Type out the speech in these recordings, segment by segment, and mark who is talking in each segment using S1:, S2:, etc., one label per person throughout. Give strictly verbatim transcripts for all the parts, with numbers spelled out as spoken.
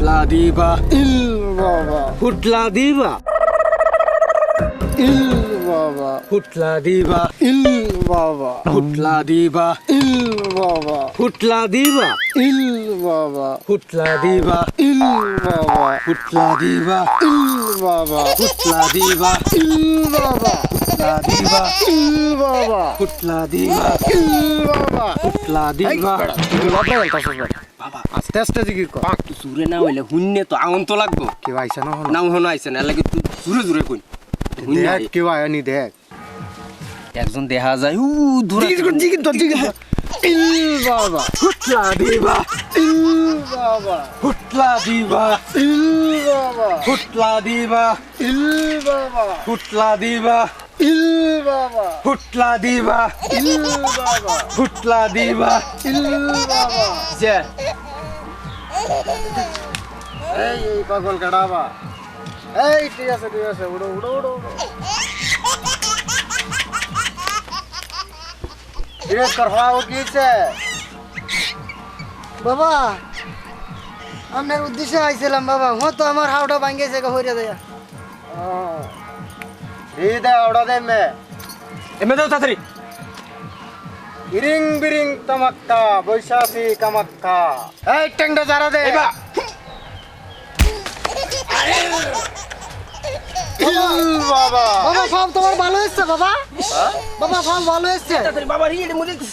S1: ফুটলা দিবা
S2: ইল বাবা
S1: ফুটলা দিবা
S2: ইল বাবা
S1: ফুটলা দিবা
S2: ইল বাবা
S1: ফুটলা দিবা
S2: ইল বাবা
S1: ফুটলা দিবা
S2: ইল বাবা
S1: ফুটলা দিবা
S2: ইল বাবা
S1: ফুটলা দিবা
S2: ইল বাবা
S1: ফুটলা দিবা
S2: ইল বাবা
S1: ফুটলা দিবা
S2: ইল বাবা
S1: ফুটলা দিবা
S2: ইল বাবা
S1: ফুটলা দিবা
S2: বাবা আস্তে আস্তে জিকির কর
S1: জোরে না হইলে হুন্নে তো আউন তো লাগবো
S2: কেউ আইসা না হলো
S1: নাও হনো আইছে না লাগে তুই জোরে জোরে কই হুন্নে
S2: দেখ কেউ আয়নি দেখ
S1: একজন দেখা যায় উ দূরে
S2: জিকির কর জিকির কর জিকির কর ইল বাবা
S1: ফুটলা দিবা
S2: ইল বাবা
S1: ফুটলা দিবা
S2: ইল বাবা
S1: ফুটলা দিবা
S2: ইল বাবা
S1: ফুটলা দিবা
S2: ইল বাবা
S1: ফুটলা দিবা
S2: ইল বাবা
S1: ফুটলা দিবা
S2: ইল বাবা
S1: যে
S2: এই এই পাগল কাটাবা এই ঠিক আছে ঠিক আছে উড়ো উড়ো উড়ো উড়ো ধীরে কর হওয়া গিয়েছে
S3: বাবা আপনার উদ্দেশ্যে আইছিলাম বাবা হ তো আমার হাওড়া ভাঙ্গেছে হইরা দেয়া
S2: হৃদয় ওড়া দে মে
S1: এমে দাও তাড়াতাড়ি
S2: ইরিং বিরিং তমাক্কা বৈশাখী কামাক্কা এই টেংটা যারা দে
S1: এবা
S2: ইল বাবা
S3: বাবা ফার্ম তোমার ভালো হচ্ছে বাবা বাবা ফার্ম ভালো হচ্ছে
S1: তাড়াতাড়ি বাবা রে এর মধ্যে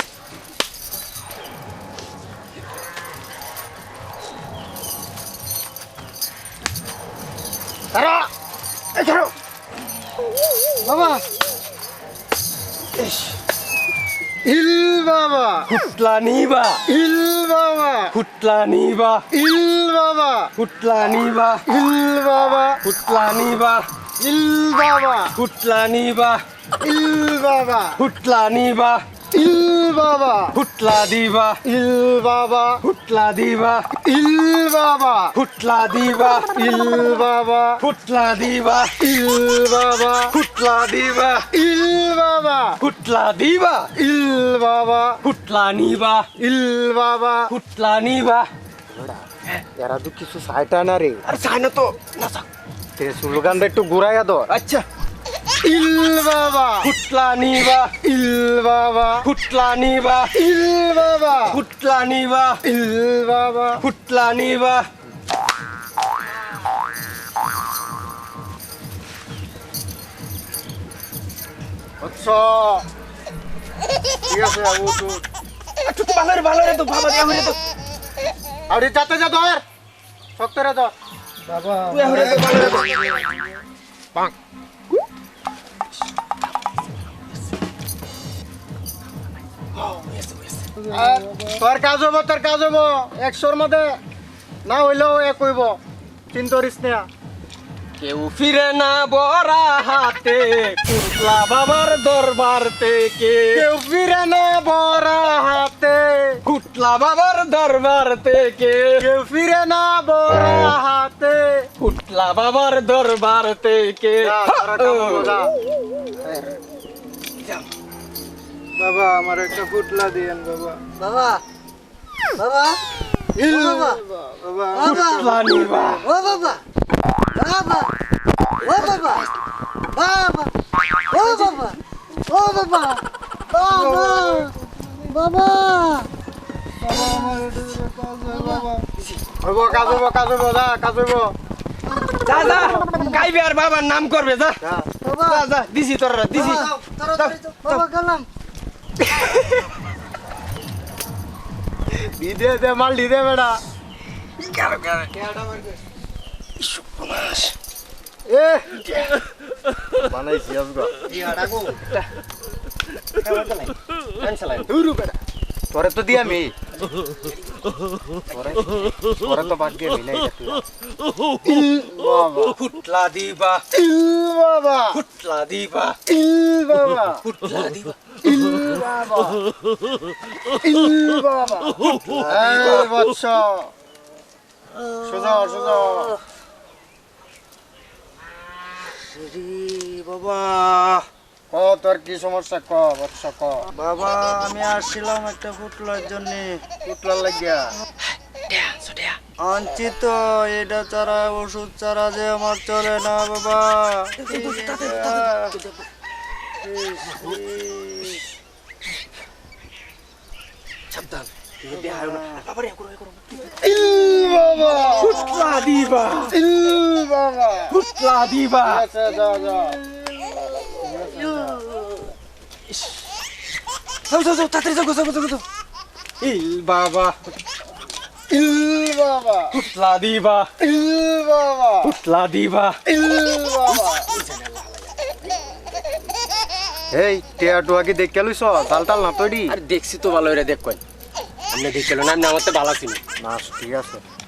S2: তারা এই ধরো
S3: বাবা
S2: ইল বাবা
S1: ফুটলা নিবা
S2: ইল বাবা
S1: ফুটলা নিবা
S2: ইল বাবা
S1: ফুটলা নিবা
S2: ইল বাবা
S1: ফুটলা নিবা
S2: ইল বাবা
S1: ফুটলা নিবা
S2: ইল বাবা
S1: ফুটলা নিবা
S2: ইল বাবা
S1: ফুটলা দিবা
S2: ইল বাবা
S1: ফুটলা দিবা
S2: ইল বাবা
S1: ফুটলা দিবা
S2: ইল বাবা
S1: ফুটলা দিবা
S2: ইল বাবা
S1: ফুটলা দিবা
S2: ইল বাবা
S1: ফুটলা দিবা
S2: ইল বাবা
S1: ফুটলা নিবা
S2: ইল বাবা
S1: ফুটলা নিবা
S2: এরা তো কিছু সাইটা না রে
S1: আরে চাই না তো না চাক
S2: তে স্লোগানটা একটু ঘুরাইয়া ধর
S1: আচ্ছা
S2: ইল বাবা
S1: ফুটলা নিবা
S2: ইল বাবা
S1: ফুটলা নিবা
S2: ইল বাবা
S1: ফুটলা নিবা
S2: ইল বাবা
S1: ফুটলা নিবা
S2: আচ্ছা ঠিক আছে আবু তো
S1: একটু তো ভালো রে ভালো রে তো বাবা দেয়া হইরে তো
S2: আরে যাতে যা ধর সত্তরে ধর বাবা
S1: তুই হইরে তো ভালো রে তো
S2: পাক তোর কাজ হবো তোর কাজ হবো একশোর মধ্যে না হইলেও এক হইব চিন্তা করিস না
S1: কেউ ফিরে না বড়া হাতে কুটলা বাবার দরবার থেকে
S2: কেউ ফিরে না বড় হাতে
S1: কুটলা বাবার দরবার থেকে
S2: কেউ ফিরে না বড় হাতে
S1: কুটলা বাবার দরবার থেকে
S2: যা, তোরা কাম করো, যা। বাবা আমার একটা ফুটলা দিয়েন বাবা
S3: বাবা বাবা
S2: ইল
S3: বাবা।
S2: বাবা
S1: কুটলা নিবা
S3: ও বাবা বাবা ও বাবা বাবা ও বাবা ও বাবা বাবা বাবা
S2: হইব কাজ হইব কাজ হইব যা কাজ হইব
S1: যা যা গাইবে আর বাবার নাম করবে যা
S2: যা
S3: বাবা
S1: যা যা দিছি তোরা দিছি
S3: তাড়াতাড়ি যাও। বাবা গেলাম
S2: দি দে দে মাল দি দে বেটা এ বানাইছি আজগা দুরু বেটা তোরে তো দিয়া মি তোরে তোরে তো বাদ দিয়ে মিলাই তুই বাবা
S1: ফুটলা দিবা
S2: ইল বাবা
S1: ফুটলা দিবা
S2: ইল বাবা
S1: ফুটলা দিবা
S2: ইল বাবা ইল বাবা এই বৎস সোজা সোজা
S1: বাবা
S2: ক তোর কি সমস্যা ক বৎস ক
S3: বাবা আমি আসছিলাম একটা ফুটলার জন্য
S2: পুটলার লাগিয়া আনছি তো এটা ছাড়া ওষুধ ছাড়া যে আমার চলে না বাবা
S1: সাবধান দেখায় না বাবা রে করো করো
S2: বাবা
S1: ফুটলা দিবা
S2: বাবা
S1: ফুটলা দিবা
S2: আচ্ছা যা যা
S1: যাও যাও যাও তাড়াতাড়ি যাও যাও যাও যাও ইল বাবা
S2: ইল বাবা
S1: ফুটলা দিবা
S2: ইল বাবা
S1: ফুটলা দিবা
S2: ইল বাবা এই টিয়া টুয়া কি দেখ লইছ তাল তাল না তৈরি
S1: আরে দেখছি তো ভালো এটা দেখ কই আপনি দেখছিল না আপনি আমার তো ভালো ছিল
S2: না ঠিক আছে